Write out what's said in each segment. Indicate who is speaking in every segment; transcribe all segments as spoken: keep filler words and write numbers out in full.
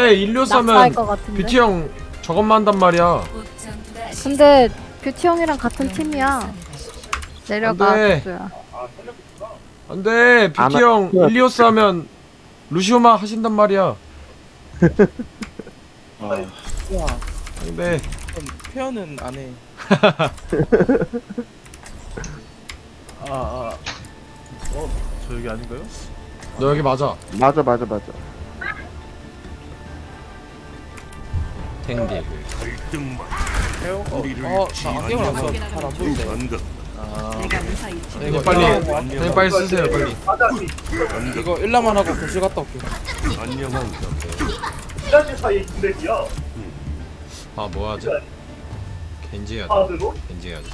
Speaker 1: 근데 일리오스
Speaker 2: 낙사할
Speaker 1: 하면
Speaker 2: 것 같은데.
Speaker 1: 뷰티 형 저것만 한단 말이야.
Speaker 2: 근데 뷰티 형이랑 같은 팀이야. 내려가.
Speaker 1: 안 돼.
Speaker 2: 뷰티야.
Speaker 1: 안돼 뷰티
Speaker 3: 안 하-
Speaker 1: 형 일리오스 하면 루시오만 하신단 말이야.
Speaker 4: 아,
Speaker 1: 안돼.
Speaker 4: 표현은 안 해. 아, 아. 어, 저 여기 아닌가요?
Speaker 1: 너 여기 맞아.
Speaker 3: 맞아 맞아 맞아.
Speaker 1: 탱딜.
Speaker 4: 해요? 어, 어, 나 안경을 안 써. 잘안 보이네. 아,
Speaker 1: 형 빨리 형 빨리 쓰세요 빨리.
Speaker 4: 이거 일라만 하고 교실 갔다 올게.
Speaker 1: 아 뭐 하지? 겐지 해야 돼. 겐지 해야지.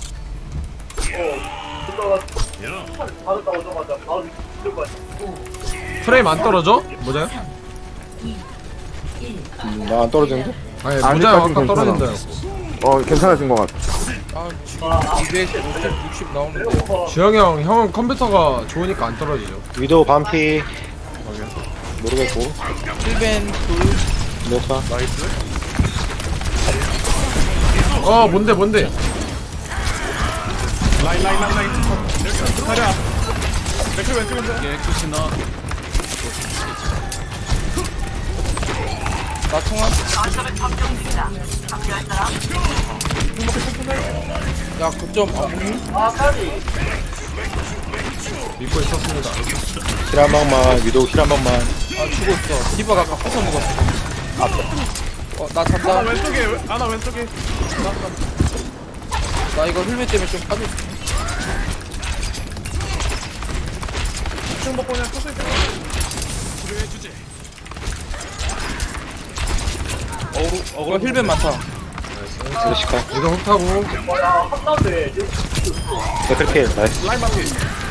Speaker 1: 프레임 안 떨어져? 모자요?
Speaker 5: 나 안 떨어지는데?
Speaker 1: 아니
Speaker 3: 아직까진
Speaker 1: 모자요 아까
Speaker 3: 괜찮아.
Speaker 1: 떨어진다.
Speaker 3: 어 괜찮아진 것 같아.
Speaker 4: 아, 지금 이백, 오십, 육십 나오는데.
Speaker 1: 주영이 형 형은 컴퓨터가 좋으니까 안 떨어지죠.
Speaker 5: 위도우 반피 모르겠고
Speaker 4: 힐벤 둘.
Speaker 5: 메카
Speaker 4: 나이스.
Speaker 1: 어 뭔데 뭔데?
Speaker 4: 라인, 라인, 라인, 라인. 가자. 맥주 왼쪽 혼자. 깨끗이 나. 나 통화. 야, 그점 아무니?
Speaker 1: 믿고 있었습니다.
Speaker 5: 힐 한 방만 위도우 힐 한 방만
Speaker 4: 아, 죽었어. 디바가 아까 부숴 먹었어. 어, 나 잔다.
Speaker 6: 하나 왼쪽에 하나 왼쪽에
Speaker 4: 나 이거 힐멧 때문에 좀 빠져.
Speaker 6: 지금 먹고 그냥 서서히 빼.
Speaker 4: 어, 어, 힐벤 많다.
Speaker 5: 쓰레시카
Speaker 1: 이거 훅 타고
Speaker 5: 데크필 나이스
Speaker 6: 라인 반피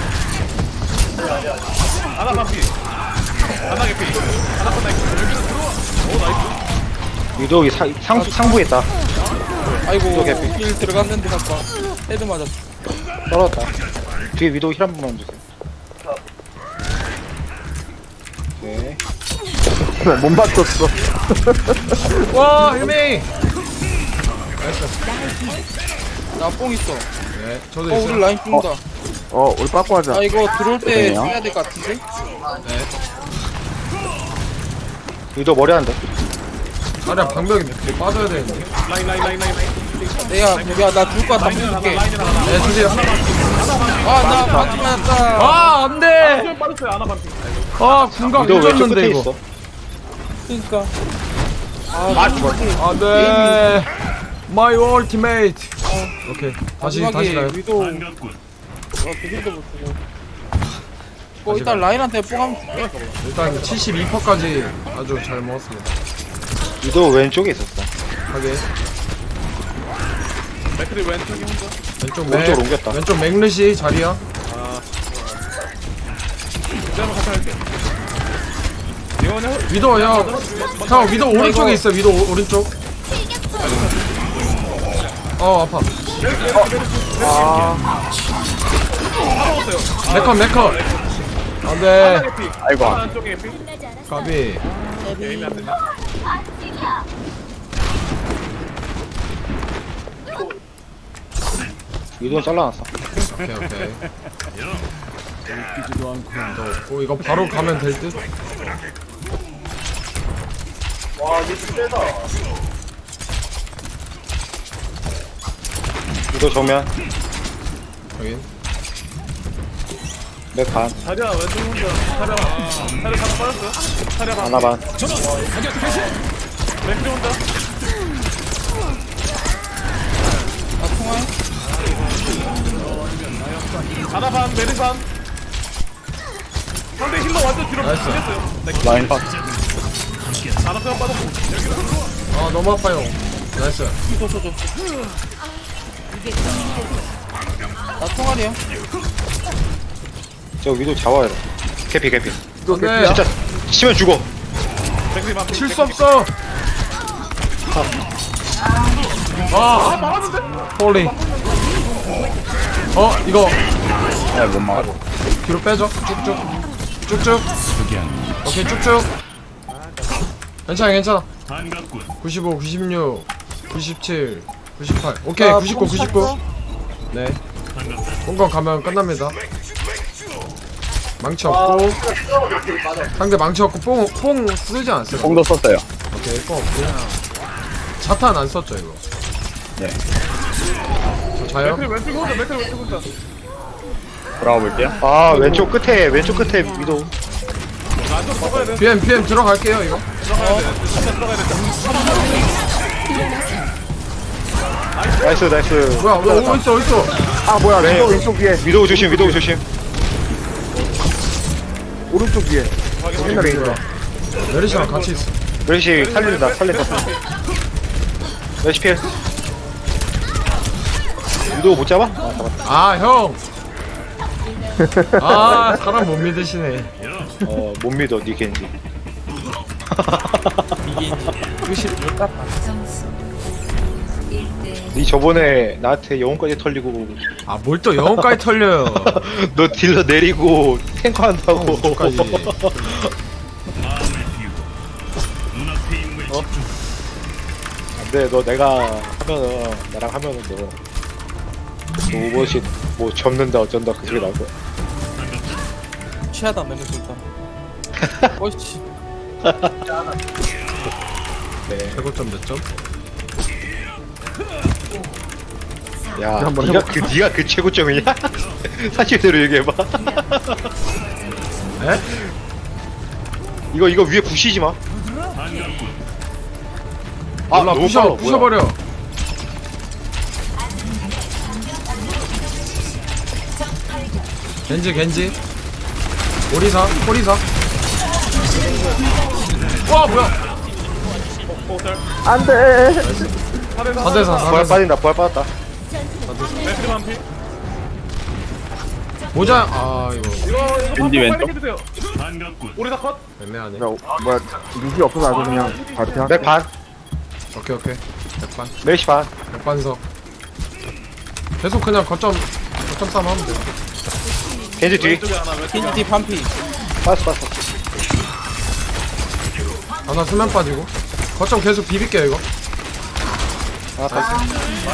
Speaker 6: 하나 반피 하나 개피 하나 건 나이스 여기는 들어와 오 나이스
Speaker 5: 위도우 사, 상, 상부에 있다
Speaker 4: 아이고, 힐 들어갔는데 아까 헤드 맞았어.
Speaker 5: 떨어졌다 뒤에 위도우 힐 한 번만 주세요 오케이
Speaker 3: 못 맞췄어.
Speaker 1: 와 힐메이.
Speaker 4: 나 뽕 있어.
Speaker 1: 네 저도
Speaker 4: 어, 우리
Speaker 1: 있어요.
Speaker 4: 라인 죽는다.
Speaker 3: 어 우리 빠꾸 하자.
Speaker 4: 아, 이거 들어올 때
Speaker 5: 그래요?
Speaker 4: 써야 될 것 같은데?
Speaker 1: 네.
Speaker 5: 위도우 머리 한대
Speaker 1: 아니야 방벽이 빠져야 되는데.
Speaker 6: 라인 라인 라인 라인 라인
Speaker 4: 내가, 야, 나 죽을 것 같아.
Speaker 6: 라인이랑 하나
Speaker 4: 줄게.
Speaker 6: 라인이랑 하나
Speaker 1: 네 주세요.
Speaker 4: 아, 나 맞지 맞았다.
Speaker 1: 아 안돼.
Speaker 6: 지금 빠졌어요 하나 반피
Speaker 1: 아 군각
Speaker 5: 위도우 왼쪽
Speaker 1: 늦었는데
Speaker 5: 끝에
Speaker 1: 이거.
Speaker 5: 있어
Speaker 4: 그니까. 아,
Speaker 1: 안돼. My ultimate. 오케이 다시
Speaker 4: 마지막에
Speaker 1: 다시 가요.
Speaker 4: 위도. 아, 그 힐도 못 주고. 어, 일단 라인한테 뽕 하면 줄게.
Speaker 1: 일단 칠십이 퍼센트까지 아주 잘 먹었습니다.
Speaker 5: 위도우 왼쪽에 있었어
Speaker 1: 하게
Speaker 6: 맥크리 왼쪽이 혼자
Speaker 1: 왼쪽 맥
Speaker 5: 오른쪽으로 옮겼다.
Speaker 1: 왼쪽 맥르시 자리야.
Speaker 6: 그대로 같이 할게 이거는
Speaker 1: 위도 형. 형 위도 오른쪽에 있어. 위도 오, 오른쪽. 어 아파. 메컨 메컨. 안돼.
Speaker 6: 개피
Speaker 3: 아이고.
Speaker 6: 하나 왼쪽에 개피
Speaker 1: 까비.
Speaker 6: 게임이 안 된다
Speaker 5: 위도우 잘라놨어
Speaker 1: 오케이 오케이. 너, 어, 이거 바로 가면 될 듯?
Speaker 5: 위도우 정면
Speaker 1: 여긴.
Speaker 5: 맥반
Speaker 6: 자리야 왼쪽 혼자 자리야 자리 하나 빠졌어요 자리야 반
Speaker 5: 하나반
Speaker 6: 맥크리 혼자
Speaker 4: 나 통화해.
Speaker 6: 하나 반 메리 반 상대 힐러 완전 뒤로
Speaker 1: 나이스.
Speaker 6: 밀렸어요
Speaker 5: 라인 반
Speaker 6: 하나 편 빠졌고 여기로 들어와
Speaker 1: 아 너무 아파요. 나이스.
Speaker 4: 줘, 줘, 줘. 나 통화리야.
Speaker 5: 저 위도우 잡아야 돼 캐피 캐피
Speaker 1: 안돼.
Speaker 5: 진짜 치면 죽어
Speaker 6: 맥크리 반피
Speaker 1: 칠 수 없어. 아 홀리. 어 이거
Speaker 5: 야못 막아
Speaker 1: 뒤로 빼줘. 쭉쭉 쭉쭉. 오케이 쭉쭉. 괜찮아 괜찮아. 구십오, 구십육, 구십칠, 구십팔. 오케이
Speaker 4: 아,
Speaker 1: 구십구,
Speaker 4: 뽕
Speaker 1: 구십구.
Speaker 4: 찼어?
Speaker 1: 네. 공간 가면 끝납니다. 망치 없고 상대 망치 없고 뽕, 뽕 쓰지 않았어요.
Speaker 5: 뽕도 썼어요.
Speaker 1: 오케이 뽕 없고 자탄 안 썼죠 이거.
Speaker 5: 네.
Speaker 1: 저 자요?
Speaker 6: 맥클 왼쪽 혼자 맥클 왼쪽 혼자
Speaker 5: 돌아가 볼게요. 아 왼쪽 끝에 왼쪽 끝에 위도.
Speaker 6: 안쪽으로 들어가야 돼
Speaker 1: 비엠 비엠 들어갈게요 이거.
Speaker 6: 들어가야 돼 진짜 들어가야 돼
Speaker 5: 나이스 나이스.
Speaker 1: 뭐야 어, 어딨어 어딨어.
Speaker 3: 아 뭐야
Speaker 5: 네.
Speaker 3: 왼쪽 왼쪽 위에
Speaker 5: 위도 조심 위도 조심.
Speaker 3: 오른쪽 위에
Speaker 1: 생각이 들어. 메리시랑 같이 있어.
Speaker 5: 멜시 살린다 살린다. 멜시 필. 위도 못 잡아? 아 잡았다.
Speaker 1: 아 형. 아 사람 못 믿으시네.
Speaker 5: 어못 믿어 니 겐지.
Speaker 1: 끝이
Speaker 5: 니 저번에 나한테 영혼까지 털리고
Speaker 1: 아뭘 또 영혼까지 털려요.
Speaker 5: 너 딜러 내리고 탱커 한다고.
Speaker 1: 어떡하지.
Speaker 5: 안돼 너 내가 하면은 나랑 하면은 너, 너 오버시 뭐 접는다 어쩐다 그 소리 나올 거야.
Speaker 4: 취하다 내는 일단. 어이씨.
Speaker 5: 네.
Speaker 1: 백오점 몇 점?
Speaker 5: 야
Speaker 3: 한번
Speaker 5: 니가
Speaker 3: 해볼까?
Speaker 5: 그 니가 그 최고점이냐? 사실대로 얘기해봐.
Speaker 1: 에?
Speaker 5: 이거 이거 위에 부시지 마. 아
Speaker 1: 몰라
Speaker 5: 너무
Speaker 1: 부셔
Speaker 5: 빨라, 뭐야.
Speaker 1: 부셔버려. 겐지 겐지. 오리사 오리사. 와 뭐야?
Speaker 3: 안돼
Speaker 1: 사 대 사
Speaker 5: 부활
Speaker 1: 사 대 사.
Speaker 5: 빠진다 부활 빠졌다.
Speaker 6: 맥클 반피
Speaker 1: 모자 아 이거
Speaker 6: 이거 이거
Speaker 5: 윈디
Speaker 6: 반피
Speaker 5: 왼쪽?
Speaker 6: 빨리 해주세요 우리 다 컷?
Speaker 1: 애매하네.
Speaker 3: 야 뭐야 룩이 없어서 아주 그냥 바로 그냥
Speaker 5: 맥 반,
Speaker 1: 오케이 오케이. 백반
Speaker 5: 멜시 반.
Speaker 1: 백반석. 계속 그냥 거점 거점 싸움 하면 돼.
Speaker 5: 겐지 뒤.
Speaker 6: 왼쪽에 하나 왼쪽에 하나
Speaker 4: 겐지 반피.
Speaker 5: 빠졌어 빠졌어.
Speaker 1: 하나 수면 빠지고. 거점 계속 비빌게요 이거.
Speaker 5: 아 빠졌어.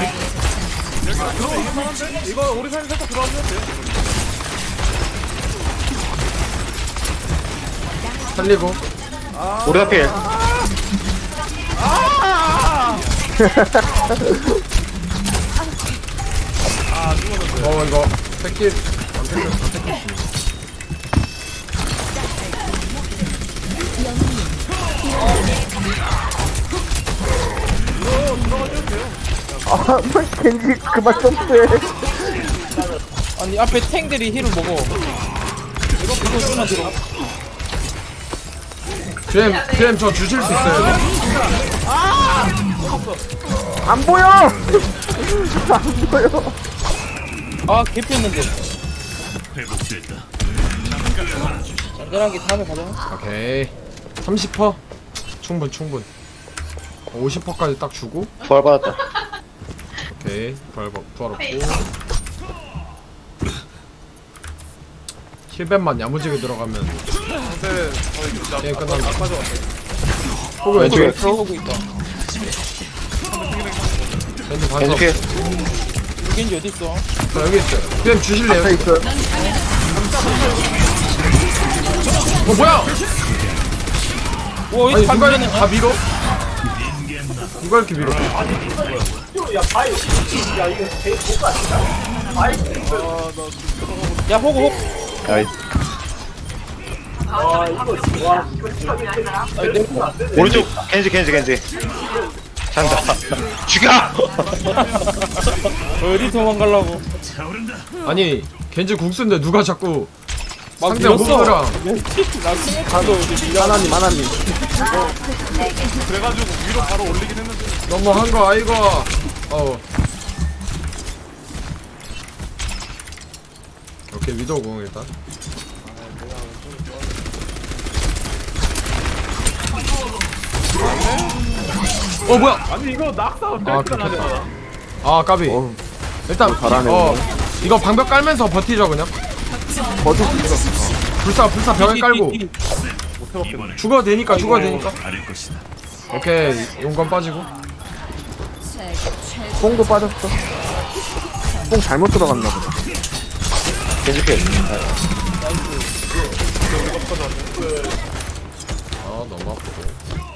Speaker 6: 들어오긴 하는데? 이거 우리 사이 살짝 들어와주면 돼
Speaker 1: 살리고.
Speaker 5: 우리 필.
Speaker 1: 어 이거 새끼 안 뺏겼어 안 뺏겼어.
Speaker 3: 아 겐지 그만 점프해
Speaker 4: 아니 앞에 탱들이 힐을 먹어. 이거 이거 쓰나 들어.
Speaker 1: 비엠 비엠 저 주실 수 있어요 이거?
Speaker 3: 안 보여 안 보여
Speaker 4: 아 개피했는데. 안전하게 다음에 가자.
Speaker 1: 오케이 삼십 퍼센트 충분 충분. 오십 퍼센트까지 딱 주고.
Speaker 5: 부활 받았다.
Speaker 1: 오케이 부활 부활 없고. 힐벤만 야무지게 들어가면
Speaker 6: 근데 거의
Speaker 1: 게임
Speaker 6: 나
Speaker 1: 끝난다.
Speaker 6: 빠져왔어
Speaker 1: 호그 왼쪽에
Speaker 5: 왼쪽에.
Speaker 4: 들어오고 있다.
Speaker 1: 왼쪽
Speaker 5: 겐지
Speaker 1: 반석.
Speaker 5: 필.
Speaker 4: 겐지 어디 있어?
Speaker 1: 저 여기 있어요. 비엠 주실래요?
Speaker 3: 앞에 있어요
Speaker 1: 어 뭐야?
Speaker 4: 와
Speaker 1: 아니
Speaker 4: 이
Speaker 1: 누가
Speaker 4: 반피는
Speaker 1: 이렇게 다 밀어? 누가 이렇게 밀어?
Speaker 4: 야 호구 호구.
Speaker 5: 나이스.
Speaker 4: 아니 내려.
Speaker 5: 오른쪽 겐지 겐지 겐지. 잔다. 죽여.
Speaker 4: 어디 도망가려고?
Speaker 1: 아니 겐지 국수인데 누가 자꾸
Speaker 4: 막
Speaker 1: 상대
Speaker 4: 밀었어.
Speaker 1: 호그랑
Speaker 4: 나 스무 가도 어디 밀려.
Speaker 3: 하나님 하나님
Speaker 6: 그래가지고 위로 바로 올리긴 했는데
Speaker 1: 너무한 거 아이고. 어. 오케이 위도우 공 일단. 어 뭐야?
Speaker 6: 아니 이거 낙사
Speaker 1: 아,
Speaker 6: 뺄줄
Speaker 1: 그렇겠다.
Speaker 6: 아냐
Speaker 1: 아 까비.
Speaker 3: 어
Speaker 1: 일단
Speaker 3: 잘하네,
Speaker 1: 어 이거 방벽 깔면서 버티죠 그냥.
Speaker 3: 버틸 수 있어
Speaker 1: 불사 불사 벽에 깔고.
Speaker 4: 뒤, 뒤, 뒤.
Speaker 6: 못 해먹겠네.
Speaker 1: 죽어도 되니까 죽어도 되니까. 오케이 용건 빠지고.
Speaker 3: 뽕도 빠졌어. 뽕 잘못 들어갔나 보다.
Speaker 5: 겐지 필.
Speaker 1: 아 너무 아프고.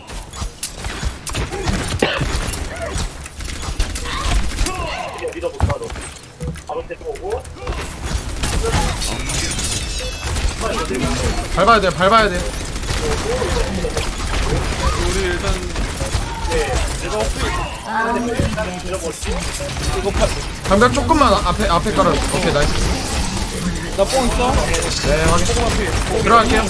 Speaker 1: 밟아야 돼, 밟아야 돼.
Speaker 6: 우리 일단
Speaker 1: 방벽 조금만 앞에 앞에 깔아. 오케이 나이스.
Speaker 4: 나 뽕 있어?
Speaker 1: 네 확인. 들어갈게요.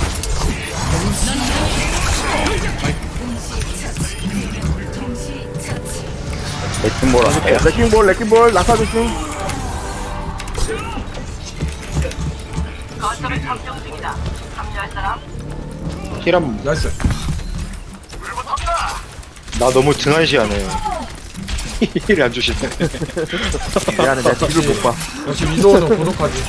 Speaker 7: 레킹볼 할게요.
Speaker 3: 레킹볼, 레킹볼, 낙하 조심.
Speaker 5: 힐한
Speaker 1: 나이스.
Speaker 5: 나 너무 등한시하네. 힐 안 주시네.
Speaker 3: 미안해, 내가 뒤를 못 봐.
Speaker 1: 역시 위도우는 고독하지.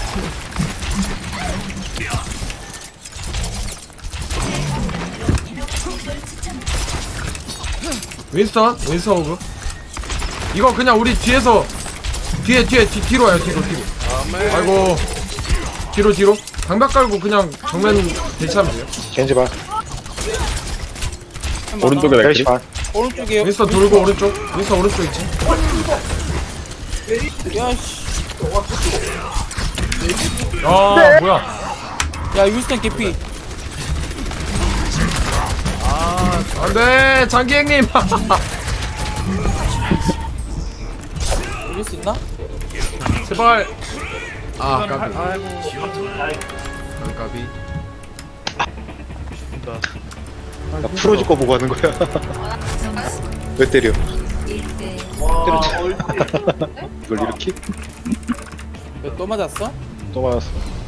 Speaker 1: 윈스턴? 윈스턴 오브. 이거 그냥 우리 뒤에서 뒤에 뒤에 뒤, 뒤로 와요 뒤로 뒤로. 아이고 뒤로 뒤로. 방벽 깔고 그냥 정면 대치하면 돼요.
Speaker 5: 겐지 반.
Speaker 7: 오른쪽에
Speaker 5: 멜시
Speaker 7: 레킹.
Speaker 5: 반.
Speaker 4: 오른쪽이요.
Speaker 1: 윈스턴 돌고 오른쪽. 윈스턴 오른쪽 있지.
Speaker 4: 야씨.
Speaker 1: 아 뭐야.
Speaker 4: 야 윌슨 개피.
Speaker 1: 안돼 장기 형님.
Speaker 4: 이길 수 있나?
Speaker 1: 제발. 아 까비. 까비.
Speaker 5: 나 프로즈 거 보고 하는 거야. 왜 때려? 때렸지. 이걸 이렇게?
Speaker 4: 왜 또 맞았어?
Speaker 5: 또 맞았어.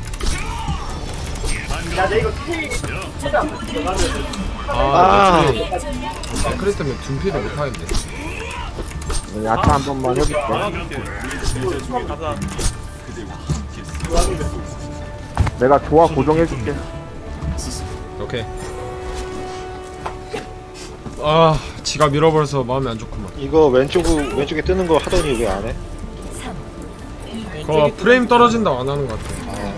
Speaker 1: 아 크리스 때문에 둔피를 못하겠네.
Speaker 3: 야타 한 번만 해줄게.
Speaker 6: 가자.
Speaker 3: 내가 조화 고정해줄게.
Speaker 1: 오케이. 아 지가 밀어버려서 마음이 안 좋구만.
Speaker 5: 이거 왼쪽 왼쪽에 뜨는 거 하더니 왜 안 해?
Speaker 1: 그거 프레임 떨어진다고 안 하는 것 같아.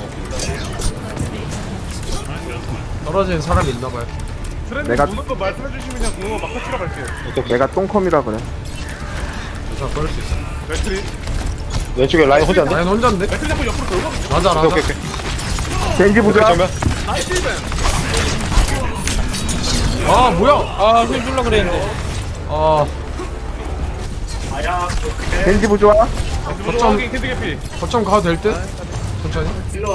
Speaker 1: 떨어지는 사람이 있나봐요.
Speaker 6: 트렌드
Speaker 3: 내가-
Speaker 6: 보는 거 말씀해 주시면 그냥 그거 막 터치러 갈게요.
Speaker 3: 내가 똥컴이라 그래.
Speaker 1: 자 그럴 수 있어.
Speaker 6: 맥트리.
Speaker 5: 왼쪽에 라인 혼자인데?
Speaker 1: 나는 혼자인데?
Speaker 6: 맥트리 한번 옆으로 돌고.
Speaker 1: 맞아 맞아.
Speaker 5: 오케이 오케이.
Speaker 3: 겐지 부자.
Speaker 5: 정면.
Speaker 6: 나이스 벤.
Speaker 1: 아 뭐야?
Speaker 4: 아힐 줄라 그랬는데.
Speaker 1: 아
Speaker 3: 겐지 부자.
Speaker 6: 거점 캔디 개피.
Speaker 1: 거점 가도 될 듯? 천천히.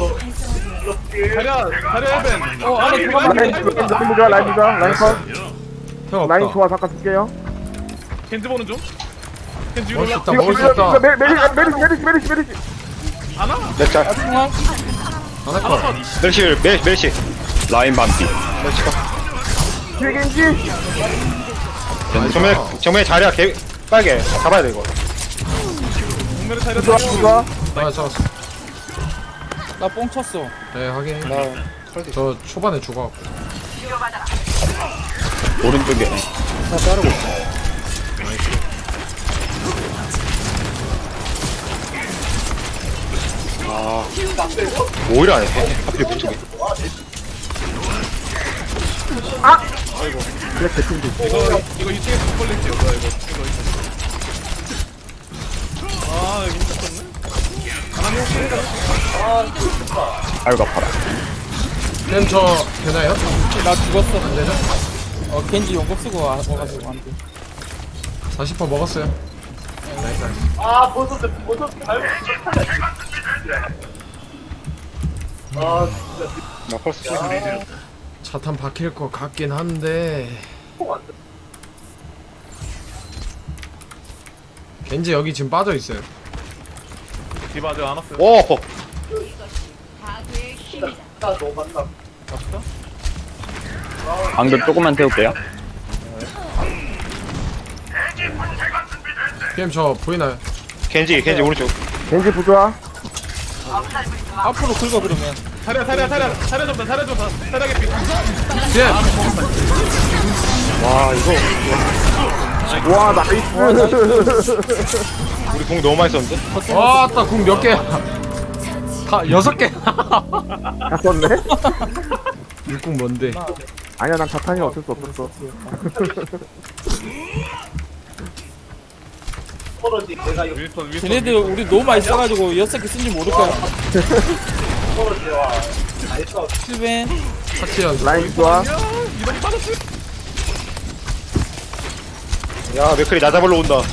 Speaker 6: 자리야 자리야 벤.
Speaker 4: 어 안에 들어가.
Speaker 3: 라인, 라인 부자, 라인 부자, 라인 컷.
Speaker 1: 형
Speaker 3: 라인
Speaker 1: 없다.
Speaker 3: 조화 잠깐 줄게요.
Speaker 6: 캔디 보는 중. 캔디
Speaker 1: 먹을 수
Speaker 6: 올라.
Speaker 1: 있다 먹을 수 있다.
Speaker 3: 메- 메리, 메리시, 메리시, 메리시, 메리시.
Speaker 6: 하나.
Speaker 5: 렉자.
Speaker 4: 중앙.
Speaker 1: 안 할 거야.
Speaker 5: 멜시 멜 멜시.
Speaker 7: 라인 반피.
Speaker 3: 뒤에 겐지.
Speaker 5: 정면 정면에 자리야 개 빨개. 잡아야 돼 이거.
Speaker 6: 동면에 자리야.
Speaker 3: 부자, 부자.
Speaker 1: 아 잡았어.
Speaker 4: 나 뽕 쳤어.
Speaker 1: 네 확인.
Speaker 5: 나 털기.
Speaker 1: 저 초반에 죽어갖고.
Speaker 7: 오른쪽에.
Speaker 5: 하나 자르고. 아, 오히려 안 해. 하필 왼쪽에.
Speaker 3: 그래, 개친지.
Speaker 6: 이거 이거 이 층에서 못 걸릴지 뭐야 이거. 이거 이거. 아 여기 미쳤네.
Speaker 7: 아이고 아파라.
Speaker 1: 쌤 저 되나요?
Speaker 4: 나 죽었어.
Speaker 1: 안 되죠?
Speaker 4: 어 겐지 용법 쓰고 와- 와가지고 안 돼.
Speaker 1: 사십 퍼센트 먹었어요. 나이스 나이스.
Speaker 5: 나 펄스 쏘.
Speaker 1: 차탄 박힐 것 같긴 한데. 겐지 여기 지금 빠져 있어요.
Speaker 6: 디바 아직 안 왔어요.
Speaker 5: 오!
Speaker 7: 방금 조금만 태울게요.
Speaker 1: 피엠 저 보이나요?
Speaker 5: 겐지, 겐지 오른쪽.
Speaker 3: 겐지 부자.
Speaker 4: 앞으로 긁어 그러면.
Speaker 6: 사려 사려 사려 사려 좀더 사려 좀더 사려 개피.
Speaker 1: 뒤에
Speaker 5: 와 이거
Speaker 3: 와 나이스.
Speaker 5: 우리 공 너무 많이 썼는데?
Speaker 1: 와따 궁 몇 개야 다 여섯 개
Speaker 3: 다 썼네?
Speaker 1: 일궁 뭔데
Speaker 3: 아니야 난 자탄이 어쩔 수 없었어.
Speaker 6: 윈스턴 윈스턴.
Speaker 4: 쟤네들 우리 너무 많이 써가지고 여섯 개 쓴지 모를 거야. 힐벤.
Speaker 1: 사치연
Speaker 3: 라인 좋아.
Speaker 5: 야 맥클이 나 잡으러 온다.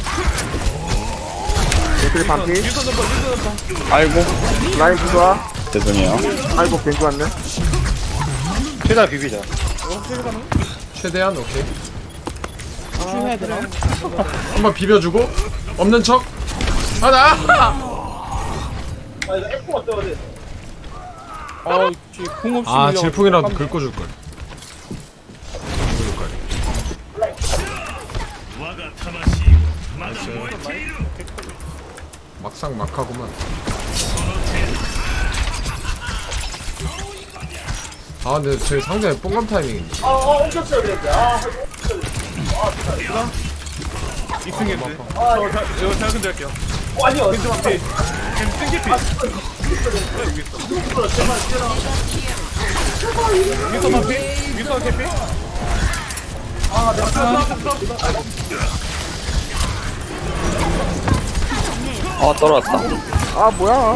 Speaker 3: 맥클이 반피.
Speaker 6: 윈스턴 넘버 윈스턴 넘버.
Speaker 7: 아이고
Speaker 3: 라인 좋아.
Speaker 7: 죄송해요.
Speaker 3: 아이고 괜찮 왔네.
Speaker 5: 최대한 비비자.
Speaker 1: 최대한 오케이
Speaker 4: 힐해야 되나?
Speaker 1: 한번 비벼주고 없는 척 하나
Speaker 4: 아, 궁 없이.
Speaker 1: 아
Speaker 4: 밀려가지고.
Speaker 1: 질풍이라도 긁어줄걸 막상 막하구만 아 근데 제 상대 뽕감 타이밍인데
Speaker 6: 이층 겐지. 저 자- 이거 제가 근데 할게요. 아니요. 겐지 한 피. 겐지 땡 개피. 여기 있어. 윈스턴 한 피. 윈스턴 개피.
Speaker 7: 어 떨어졌다.
Speaker 3: 아 뭐야?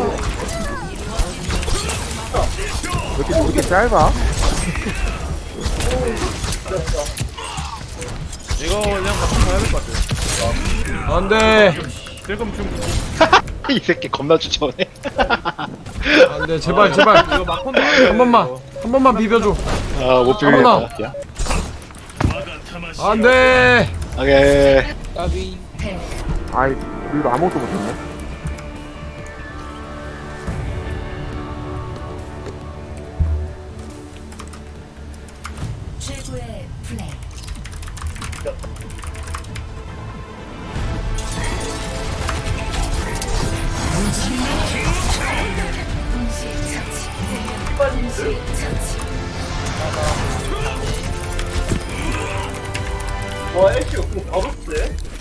Speaker 3: 왜 이렇게 왜 이렇게 짧아?
Speaker 6: 이거 그냥 같이 가야 될 것 같아요.
Speaker 1: 안돼
Speaker 6: 지금 좀
Speaker 5: 이 새끼 겁나 추천해.
Speaker 1: 안돼 제발 제발
Speaker 6: 이거 막판도 안 돼.
Speaker 1: 한 번만 한 번만 비벼줘
Speaker 5: 아못
Speaker 1: 어머나.
Speaker 5: 비비겠다.
Speaker 1: 안돼
Speaker 5: 오케이.
Speaker 4: 까비.
Speaker 3: 아이 우리도 아무것도 못했네.
Speaker 8: 최고의 플레이.
Speaker 9: 와, 애쉬 바로 쎄?